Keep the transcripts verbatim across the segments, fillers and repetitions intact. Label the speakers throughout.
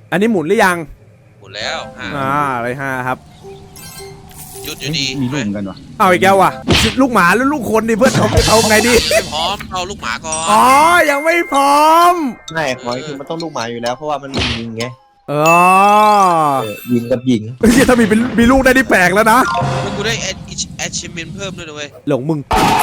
Speaker 1: อันนี้หมุนหรือยัง
Speaker 2: หมุนแล้ว
Speaker 1: อ่าอะไรห้าครับ
Speaker 2: หยุดอยู่ดี
Speaker 3: มีลูกกันวะ
Speaker 1: เอาอีกแล้ววะลูกหมาหรือลูกคนดิเพื่อนเอาเอาไงดี
Speaker 2: ไม่พร้อมเอาลูกหมาก่อน
Speaker 1: อ๋อยังไม่พร้อม
Speaker 4: ไม่หอยคือมันต้องลูกหมาอยู่แล้วเพราะว่ามันมียิงไง
Speaker 1: เออ
Speaker 4: ยิงกับยิง
Speaker 1: ถ้ามีเป็นมีลูกได้นี่แปลกแล้วนะ
Speaker 2: แล้วกูได้แอดแอดชิมเมนเพิ่มด้วยนะเว้ย
Speaker 1: หลงมึง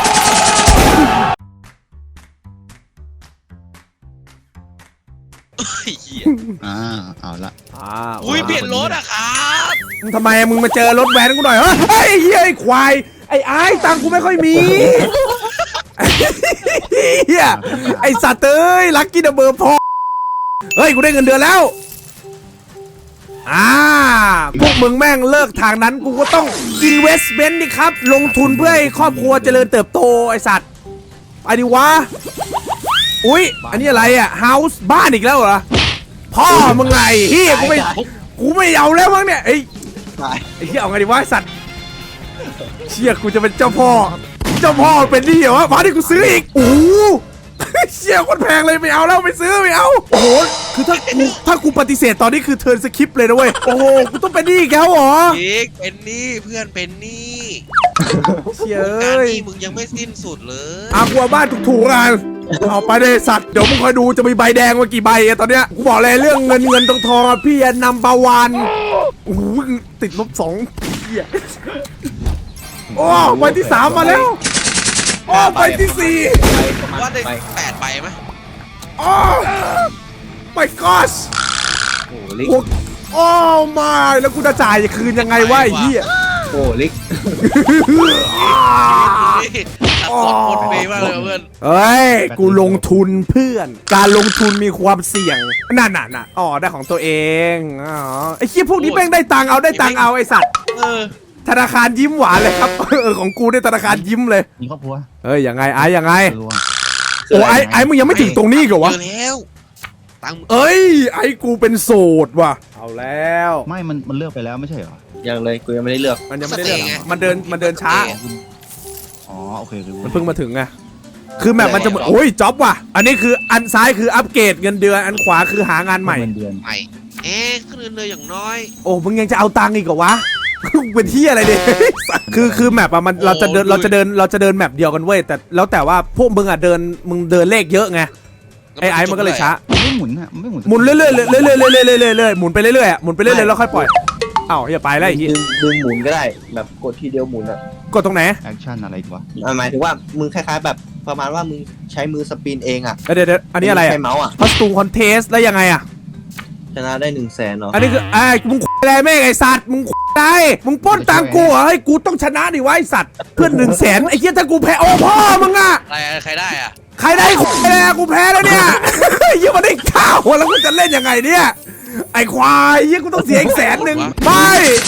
Speaker 3: อ่าเอาละ
Speaker 1: อ่า
Speaker 2: อุ้ยเปลี่ยนรถอะครับ
Speaker 1: ทำไมมึงมาเจอรถแวนกูหน่อยเฮ้ยไอ้เหี้ยไอ้ควายไอ้ไอ้ตังกูไม่ค่อยมีเหี้ยไอ้สัตว์เอ้ยลักกี้ดับเบิลพอเฮ้ยกูได้เงินเดือนแล้วอ่าพวกมึงแม่งเลิกทางนั้นกูก็ต้อง investment ดิครับลงทุนเพื่อให้ครอบครัวเจริญเติบโตไอ้สัตว์ไปดิวะอุ้ยอันนี้อะไรอ่ะ house บ้านอีกแล้วเหรอพ่อมึงไงเฮียกูไม่กูไม่เอาแล้วมั้งเนี่ยไอ้ไอ้เฮียเอาไงดีวะสัตว์เชี่ยกูจะเป็นเจ้าพ่อเจ้าพ่อเป็นนี่เหรอวะมาดิกูซื้ออีกโอ้เชี่ยคนแพงเลยไม่เอาแล้วไม่ซื้อไม่เอาโอ้โหคือถ้ากูถ้ากูปฏิเสธตอนนี้คือเทิร์นสคริปต์เลยนะเว้ยโอ้โหกูต้องเป็นนี่แกเหรอ
Speaker 2: อีกเป็นนี่เพื่อนเป็นนี่
Speaker 1: เชี่ย
Speaker 2: การนี่มึงยังไม่สิ้นสุดเลย
Speaker 1: อากูบ้านถูกๆกันเอาไปเลยสัตว์เดี๋ยวมึงคอยดูจะมีใบแดงมากี่ใบตอนเนี้ยกูบอกเลยเรื่องเงินเงินทองทองพี่นำบาวันโอ้โหติดลบสองเหี้ยโอ้ใบที่สามมาแล้วโอ้ใบที่สี่
Speaker 2: ว่าได้แปดใบไหม
Speaker 1: โอ้ my gosh
Speaker 4: โอ้ลิก
Speaker 1: โอ้มาแล้วกูจะจ่ายคืนยังไงวะไอ้เหี้ย
Speaker 4: โอ้ลิก
Speaker 2: สดคนเบย์มากเลยเพื่อน
Speaker 1: เฮ้ยกูลงทุนเพื่อนการลงทุนมีความเสี่ยงนั่นน่ะน่ะอ๋อได้ของตัวเองอ๋อไอ้เหี้ยพวกนี้แม่งได้ตังเอาได้ตังเอาไอ้สัตว์ธนาคารยิ้มหวานเลยครับเออของกูได้ธนาคารยิ้มเลย
Speaker 3: มีครอบครัว
Speaker 1: เฮ้ยยังไงไอ้ยังไงโอ้ไอ้ไอ้มึงยังไม่ถึงตรงนี้เหรอวะ
Speaker 2: แล้วตัง
Speaker 1: เอ้ยไอ้กูเป็นโสดว่ะเอาแล้ว
Speaker 3: ไม่มันมันเลือกไปแล้วไม่ใช่เหรอ
Speaker 4: ยังเลยกูยังไม่ได้เลือก
Speaker 1: มันยังไม่ได้เลือกมันเดินมันเดินช้า
Speaker 3: อ๋อโอเค
Speaker 1: มันเพิ่งมาถึงไงคือแบบมันจะโอ้ยจ็อบว่ะอันนี้คืออันซ้ายคืออัปเกรดเงินเดือนอันขวาคือหางานใหม่
Speaker 3: เงินเดือน
Speaker 2: ใหม่เอ๊ะขึ้นเงินเดือนอย่างน้อย
Speaker 1: โอ้มึงยังจะเอาตังค์อีกเหรอวะเป็นที่อะไรเนี่ยคือคือแมปอะมันเราจะเดินเราจะเดินเราจะเดินแมปเดียวกันเว้ยแต่แล้วแต่ว่าพวกมึงอะเดินมึงเดินเลขเยอะไงไอ้ไอ้มันก็เลยช้า
Speaker 3: ไม่หมุนอะไม่หมุน
Speaker 1: หมุนเรื่อยๆเรื่อยๆเรื่อยๆเรื่อยๆเรื่อยๆหมุนไปเรื่อยๆหมุนไปเรื่อยๆแล้วค่อยปล่อยเอ้าอย่าไปแล้วไอ้ที่
Speaker 4: ดึงดึงหมุนก็ได้แบบกดทีเดียวหมุนอะ
Speaker 1: กดตรงไหน
Speaker 3: แอคชั่นอะไรวะ
Speaker 4: หมายถึงว่ามึงคล้ายๆแบบประมาณว่ามึงใช้มือสปินเองอะ
Speaker 1: เดี๋ยวๆอันนี้อะไรอะ
Speaker 4: ใช้เมาส์อะ
Speaker 1: คอสตูมคอนเทสแล้วยังไงอะ
Speaker 4: ชนะได้หนึ่งแสนเนาะ
Speaker 1: อันนี้คือไอ้มึงอะไรแม่ไอ้สัตว์มึงได้มึงป้นตังกูเหรอให้กูต้องชนะดิวะไอ้สัตว์เพื่อนหนึ่งแสนไอ้เหี้ยถ้ากูแพ้โอ้พ่อมึงอะ
Speaker 2: ใครใครได้อะ
Speaker 1: ใครได้กูแพ้กูแพ้แล้วเนี่ยยังมาได้ข้าวแล้วกูจะเล่นยังไงเนี่ยไอ้ควายยี่กูต้องเสียอีกแสนหนึ่งไม่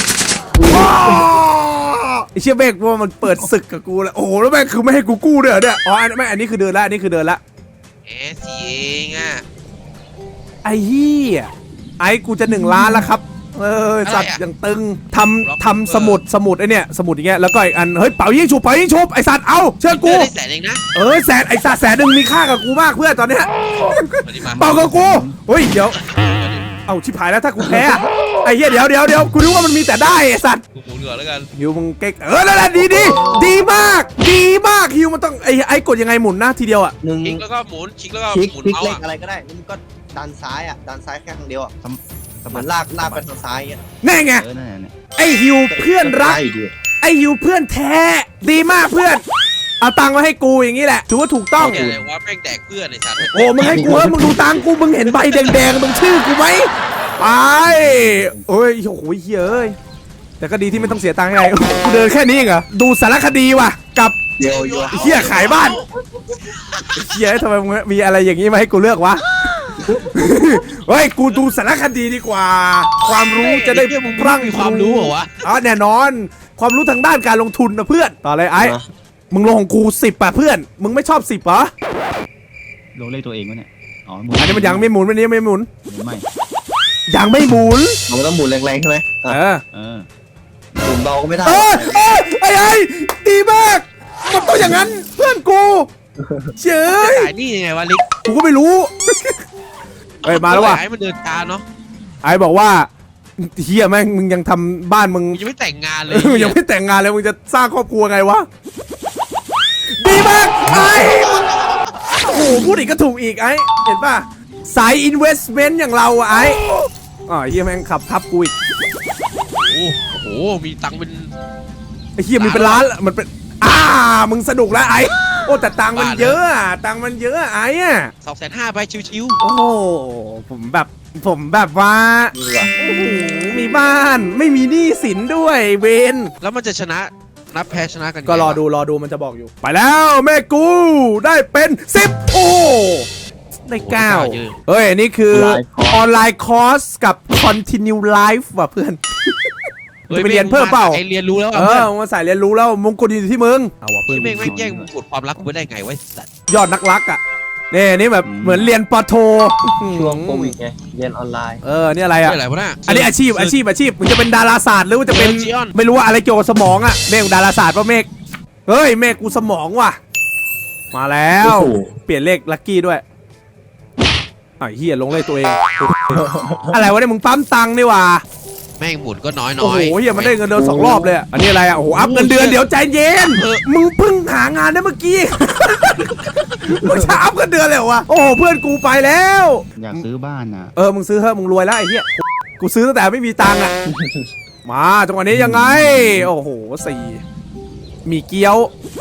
Speaker 1: ไอ้เชี่ยเบกว่ามันเปิดศึกกับกูแล้วโอ้โหแล้วแม่งคือไม่ให้กูกู้ด้วยเหรอเนี่ยอ๋อไม่อันนี้คือเดินละอันนี้คือเดินละ
Speaker 2: เอสีเองอ่ะ
Speaker 1: ไอ้เหี้ยไอ้กูจะหนึ่งล้านแล้วครับเออสัตว์อย่างตึงทำทำสมุดสมุดไอเนี่ยสมุดอย่างเงี้ยแล้วก็อีกอันเฮ้ยเป่ายิงฉุบเป่ายิงฉุบไอสัตว์เอาเชื่อกู
Speaker 2: แสนเองนะ
Speaker 1: เออแสนไอสัตว์แสนหนึ่งมีค่ากับกูมากเพื่อนตอนเนี้ยเป่ากับกูเฮ้ยเดี๋ยวเอาชิบหายแล้วถ้ากูแพ้ไอ้เหี้ยเดี๋ยวเดี๋ยวเดี๋ยวกูรู้ว่ามันมีแต่ได้ไอสัตว์
Speaker 2: กูหมุนเหงื่อแล้วกัน
Speaker 1: ฮิวมึงเก๊กเออแล้วดีดีดีมากดีมากฮิวมันต้องไอไอกดยังไงหมุนหน้าทีเดียวอ่ะ
Speaker 4: หนึ่ง
Speaker 2: คลิกแล้วก็หมุนคลิกแล้วก็หมุน
Speaker 4: คลิกเล็กอะไรก็ได้มึงก็ดันซ้ายอ่ะดันซ้ายแค่ทางเดียวอ่ะเหมือนลากลากไปทางซ้ายเงี้ย
Speaker 1: แน่ไงไอฮิวเพื่อนรักไอฮิวเพื่อนแท้ดีมากเพื่อนเอาตังค์มาให้กูอย่างนี้แหละถือว่าถูกต้อง
Speaker 2: อะไรวะแม่งแดกเพื่อนไอ้สัตว์
Speaker 1: โอ้มึงให้กูแล้วมึงดูตังค์กูมึงเห็นใบแดงๆตรงชื่อกูไหมไปโอ้ยโอ้โหเฮ้ยแต่ก็ดีที่ไม่ต้องเสียตังค์ไงกูเดินแค่นี้เองเหรอดูสารคดีว่ะกับเฮียขายบ้านเฮียทำไมมึงมีอะไรอย่างนี้มาให้กูเลือกวะเฮ้ยกูดูสารคดีดีกว่าความรู้จะได้พรั่ง
Speaker 2: ความรู้เหรอวะ
Speaker 1: อ๋อแน่นอนความรู้ทางด้านการลงทุนนะเพื่อนต่อเลยไอ้มึงลงของกูสิบป่ะเพื่อนมึงไม่ชอบสิบเหรอ
Speaker 3: ลงเลขตัวเองวะเนี่ยอ๋อ
Speaker 1: อันนี้มันยังไม่หมุนวันนี้ไม่หมุน
Speaker 3: ไม่
Speaker 1: ยังไม่หมุน
Speaker 4: มันต้องหมุนแรงๆใช่ไหม
Speaker 1: เออ
Speaker 3: เออ
Speaker 4: หมุนเบาก็ไม่ได้
Speaker 1: เออไอ้ไอ้ดีมากมันต้องอย่างนั้นเพื่อนกูเฉย
Speaker 2: นี่ยังไงวะลิก
Speaker 1: กูก็ไม่รู้เฮ้ยมาแล้วว่ะ
Speaker 2: ไอ้มันเดินตาเนาะ
Speaker 1: ไอ้บอกว่าเฮียแม่งมึงยังทำบ้านมึง
Speaker 2: มึงยังไม่แต่งงานเลย
Speaker 1: มึงยังไม่แต่งงานเลยมึงจะสร้างครอบครัวไงวะดีมากไอ้โอ้โหพูดอีกก็ถูกอีกไอ้เห็นป่ะสาย investment อย่างเราอะไอ้อ๋อเฮียแม่งขับทับกูอีก
Speaker 2: โอ้โหมีตังค์เป็น
Speaker 1: ไอ้เฮียมีเป็นล้านละมันเป็นอ่ามึงสนุกแล้วไอ้โอ้แต่ตังค์มันเยอะอะตังค์มันเยอะอะไอ้อะ
Speaker 2: สองแสนห้าไปชิว
Speaker 1: โอ้โหผมแบบผมแบบว่าโอ้โหมีบ้านไม่มีหนี้สินด้วยเวน
Speaker 2: ๆแล้วมันจะชนะนับแพ้ชนะกันยังไง
Speaker 1: ก็รอ
Speaker 2: วะ
Speaker 1: ดูรอดูมันจะบอกอยู่ ไปแล้วแม่กูได้เป็นสิบโอ้ได้เก้าเฮ้ย นี่คือออนไลน์คอร์สกับ continue life ว่ะเพื่อน จะไปเรียนเพิ่มเปล่า
Speaker 2: ไอเรียนรู้แล้ว
Speaker 1: เอ
Speaker 2: อ่ะ
Speaker 1: อมาใส่เรียนรู้แล้วมงกุฎอยู่ที่มึงเอาว่ะเพื่อน
Speaker 2: พี่เมฆไม่แย่งมงกุฎความรักกูไม่ได้ไงวะสัตว์
Speaker 1: ยอดนักรักอ่ะนี่นี่แบบเหมือนเรียนปอโท
Speaker 4: ช่วงโควิดไงเรียนออนไลน์
Speaker 1: เออนี่อะไรอ่ะ
Speaker 2: ไม่อะไรวะน่ะ
Speaker 1: อันนี้อาชีพอาชีพอาชีพมึงจะเป็นดาราศาสตร์หรือว่าจะเป็น
Speaker 2: เออจีออน
Speaker 1: ไม่รู้ว่าอะไรเกี่ยวกับสมองอ่ะเมฆดาราศาสตร์ป่ะเมฆเฮ้ยเมฆกูสมองว่ะมาแล้ว
Speaker 4: โอ้โห
Speaker 1: เปลี่ยนเลขลัคกี้ด้วยไอ้เฮียลงเลขตัวเอง อะไรวะเนี่ยมึงปั๊มตังค์นี่ว่ะ
Speaker 2: แม่งหมุนก็น้อย
Speaker 1: โอ้
Speaker 2: น้อ
Speaker 1: โห
Speaker 2: ย
Speaker 1: เฮียมันได้เงินเดือนสองรอบเลยอะอันนี้อะไรอ่ะโอ้โหอัพเงินเดือนเดี๋ยวใจเย็น
Speaker 2: เออ
Speaker 1: มึงเพิ่งหางานได้เมื่อกี้ มึงจะอัพเงินเดือนเลยเหรอวะโอ้โหเพื่อนกูไปแล้ว
Speaker 3: อยากซื้อบ้านน่ะ
Speaker 1: เออมึงซื้อเถอะมึงรวยแล้วไอ้เหี้ยกูซื้อตั้งแต่ไม่มีตังค์อ่ะ มาจังหวะนี้ยังไง โอ้โหสี่มีเกี๊ยว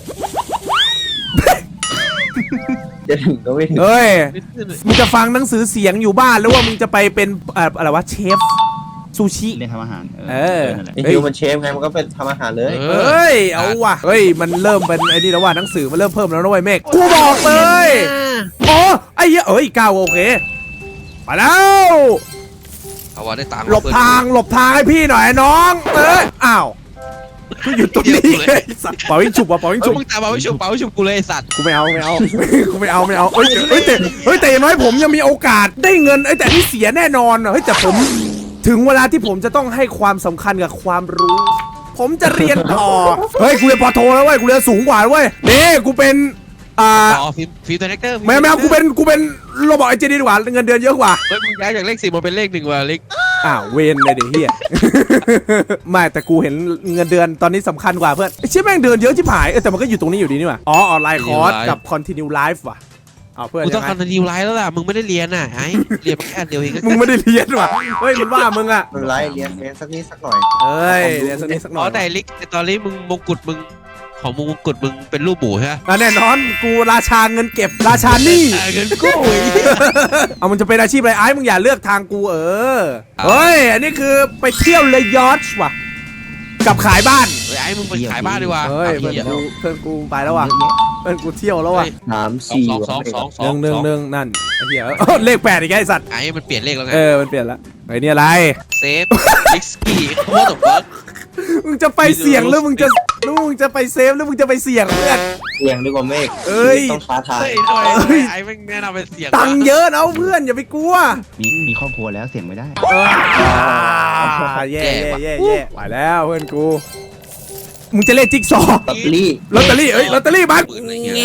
Speaker 4: จะถึงก็ไม่ถึง
Speaker 1: เอ้ยมึงจะฟังหนังสือเสียงอยู่บ้านหรือว่ามึงจะไปเป็นเอ่ออะไรวะเชฟซูชิ
Speaker 3: เรียนทำอาหาร
Speaker 1: เออ
Speaker 3: นั่นแหละ
Speaker 4: ไอฮิวมันเชฟไงมันก็เป็นทำอาหารเลย
Speaker 2: เอ
Speaker 1: เอ้ยเอาว่ะเฮ้ยมันเริ่มเป็นไอ้นี่แล้วว่ะหนังสือมันเริ่มเพิ่มแล้วนะเว้ยเมฆกูบอกเลยอ๋อไอ้เหี้ยเอ้ยก้าวโอเคไปแล้ว
Speaker 2: เอาวะได้ตังค์
Speaker 1: หลบทางหลบทางให้พี่หน่อยน้องเอ้ยอ้าวกูอยู่ตรงนี้ไอ้สัตว์เป่ายิงฉุบว่ะเป่ายิง
Speaker 2: เอ้
Speaker 1: ฉุ
Speaker 2: ย
Speaker 1: บ
Speaker 2: มึงตามมาไม่ชุบเปล่าไม่ชุบกูเลยไอ้สัตว์
Speaker 1: กูไม่เอาไม่เอา กูไม่เอาไม่เอาเอ้ยเฮ้ยแต่เฮ้ยแต่อย่างน้อยผมยังมีโอกาสได้เงินไอ้ยแต่ที่เสียแน่นอนอะเฮ้ยแต่ผมถึงเวลาที่ผมจะต้องให้ความสำคัญกับความรู้ ผมจะเรียนต่อเฮ้ยกูเรียนปอโทแล้วเว้ยกูเรียนสูงกว่าเว้ยนี่กูเป็นอ่า
Speaker 2: ต่อฟิล์มฟิล์มตัวเน็กเตอร์
Speaker 1: ไม่ไม่เอากูเป็นกูเป็นโรบอทไอเจดีดีกว่าเงินเดือนเยอะกว่า
Speaker 2: เฮ้ยมึงย้ายจากเลขสี่มาเป็นเลขหนึ่งว่ะเล็ก
Speaker 1: อ้าวเวนเลยเดี๋ยวเฮีย ไม่แต่กูเห็นเงินเดือนตอนนี้สำคัญกว่าเพื่อนไอ้เชี่ยแม่งเดือนเยอะชิบหายเออแต่มันก็อยู่ตรงนี้อยู่ดีนี่ว่ะอ๋อออนไลน์คอร์สกับ continue life ว่ะเอาเพื่อน
Speaker 2: กูต้
Speaker 1: ยั
Speaker 2: อง
Speaker 1: งไง
Speaker 2: คอนติวไลฟ์แล้วล่ะมึงไม่ได้เรียนน่ะไอ้เรียนมาแค่อันเดียวเองก็
Speaker 1: มึงไม่ได้เรียนว่ะเฮ้ยมันว่ามึงอ่ะ
Speaker 4: มันไล่เรียนเรียนสักนิดสักหน่อย
Speaker 1: เอ้ยเรียนสักนิดสักหน่
Speaker 2: อ๋
Speaker 1: อ
Speaker 2: อย แต่ลิกแต่ตอนนี้มึงมงกุฎมึงของมึงมงกุฎมึงเป็นรูปหมูใช่ไหม
Speaker 1: อ่ะแน่นอนกูราชาเงินเก็บราชาหนี้
Speaker 2: เออเงินกู้ไอ้เหี้ย
Speaker 1: เอามันจะเป็นอาชีพอะไรไอ้มึงอย่าเลือกทางกูเออเฮ้ยอันนี้คือไปเที่ยวเลยยอชว่ะกับขายบ้าน
Speaker 2: เฮ้ยไอ้มึงไปขายบ้านดีกว่า
Speaker 1: เฮ้ย
Speaker 2: เอา
Speaker 1: เพื่อน
Speaker 2: เหี้ย
Speaker 1: กูเพื่อนกูไปแล้วว่ะ
Speaker 3: เยอะ
Speaker 1: เพื่อนกูเที่ยวแล้วว่ะ
Speaker 4: สาม
Speaker 2: สอง
Speaker 4: สี่
Speaker 2: สองสองสองส
Speaker 1: ห
Speaker 2: อง
Speaker 1: นึ่งหนึ่งหนึ่งนั่นไอ้เหี้ยเอ้าเลขแปดอีกไอ้สัตว์
Speaker 2: ไอ้มันเปลี่ยนเลขแล้วไง
Speaker 1: เออมันเปลี่ยนละไอ้นี่อะไร
Speaker 2: เซฟลิกสกี้โคตรเบิร์ก
Speaker 1: มึงจะไปเสี่ยงหรือมึงจะหรือมึงจะไปเซฟหรือมึงจะไปเสี่ยงเพื่อน
Speaker 4: เสียงดีกว่าเมฆ
Speaker 1: เอ้ย
Speaker 4: ต้องท้าทาย
Speaker 2: เฮ้ยทำไม
Speaker 1: เฮ้ย
Speaker 2: ไอ้แม่งแนะนำเป็นเสียง
Speaker 1: ตังค์เยอะนะเพื่อนอย่าไปกลัว
Speaker 3: มีมีครอบครัวแล้วเสี่ยงไม่ได้
Speaker 1: เออแย่แย่แย่แย่ไปแล้วเพื่อนกูมึงจะเล่นจิ๊กซอว์
Speaker 4: ลอตเตอรี่
Speaker 1: ลอตเตอรี่เอ้ยลอตเตอรี่บัส
Speaker 2: ปืนอะไรเงี้ย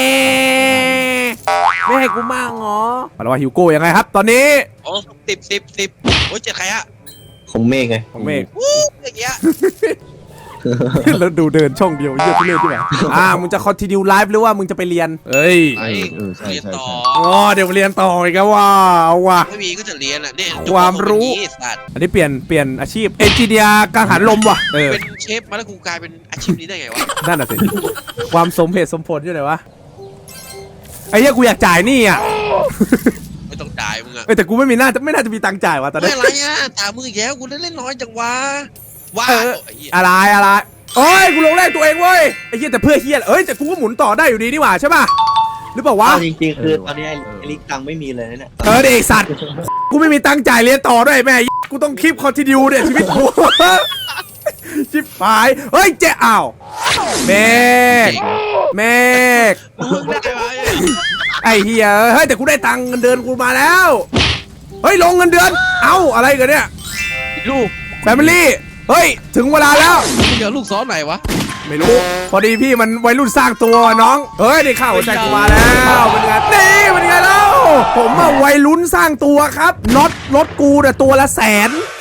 Speaker 1: ไม่ให้กูมั่งเหรอมาแล้วว่าฮิวโก้ยังไงครับ ตอนนี้
Speaker 2: โอ้สิบสิบสิบโอ้ยเจ็ดใครอะ
Speaker 4: ของเมฆไง
Speaker 1: ของเมฆ
Speaker 2: วู้อย่างเงี้ย
Speaker 1: แล้วดูเดินช่องเดียวเยอะที่เล่นใช่ไหมอ่ามึงจะ continue live หรือว่ามึงจะไปเรียนเอ้ย
Speaker 2: ไอ้
Speaker 3: เออใช่
Speaker 2: เรียน
Speaker 3: ใช่
Speaker 2: ต่อ
Speaker 3: ใช่
Speaker 1: อ๋อเดี๋ยวเรียนต่ออีกแล้วว่าเอาว่ะ
Speaker 2: ไม่มีก็จะเรียนอ่ะเนี่ย
Speaker 1: ความรู้
Speaker 2: เป็นอย่างงี้สัตว์
Speaker 1: อันนี้เปลี่ยนเปลี่ยนอาชีพเอนจิเนียร์กังหันลมว่ะเออ
Speaker 2: เป็นเชฟมาแล้วกูกลายเป็นอาชีพนี้ได้ไงวะ
Speaker 1: นั่นน่ะสิความสมเหตุสมผลอยู่ไหนวะไอ้เหี้ยกูอยากจ่ายหนี่อ่ะ
Speaker 2: ไม่ต้องจ่ายมึงอะ
Speaker 1: เอ้ยแต่กูไม่มีน่าจะไม่น่าจะมีตังค์จ่ายว่ะตอน
Speaker 2: ไม่
Speaker 1: นี้
Speaker 2: อะไรอ่ะตามมึงอีกแล้วกูเล่นเล่นน้อยจังวะว้า
Speaker 1: เออ
Speaker 2: ไอ้เหี้ย
Speaker 1: อะไรอะไรโอ้ยกูลงแรกตัวเองเว้ยไอ้เหี้ยแต่เพื่อเหี้ยเอ้ยแต่กูก็หมุนต่อได้อยู่ดีนี่หว่าใช่ป่ะหรือเปล่าวะ
Speaker 4: เอาจริงๆคือตอนนี้ไอ้ลิกตังไม่มีเลยนะเนี่ย
Speaker 1: เออเด็กสัตว์กูไม่มีตังค์จ่ายเรียนต่อด้วยแม่กูต้องคลิปคอนติเนียเนี่ยชีวิตกู ชิบหายเฮ้ยเจ๊อ้าวเมฆเมฆ
Speaker 2: มึงได้ไหม
Speaker 1: ไอ้เหี้ยเฮ้ยแต่กูได้ตังค์เงินเดือนกูมาแล้วเฮ้ยลงเงินเดือนเอ้าอะไรกันเนี่ย
Speaker 2: ลูก
Speaker 1: แฟมิลี่เฮ้ยถึงเวลาแล้ว
Speaker 2: มึงเดี๋ยวลูกซ้อนไหนวะ
Speaker 1: ไม่รู้พอดีพี่มันวัยรุ่นสร้างตัวน้องเฮ้ยได้ข้าวหัวใจกูมาแล้วเป็นไงนี่เป็นไงแล้วผมอะวัยรุ่นสร้างตัวครับน็อตรถกูเนี่ยตัวละแสน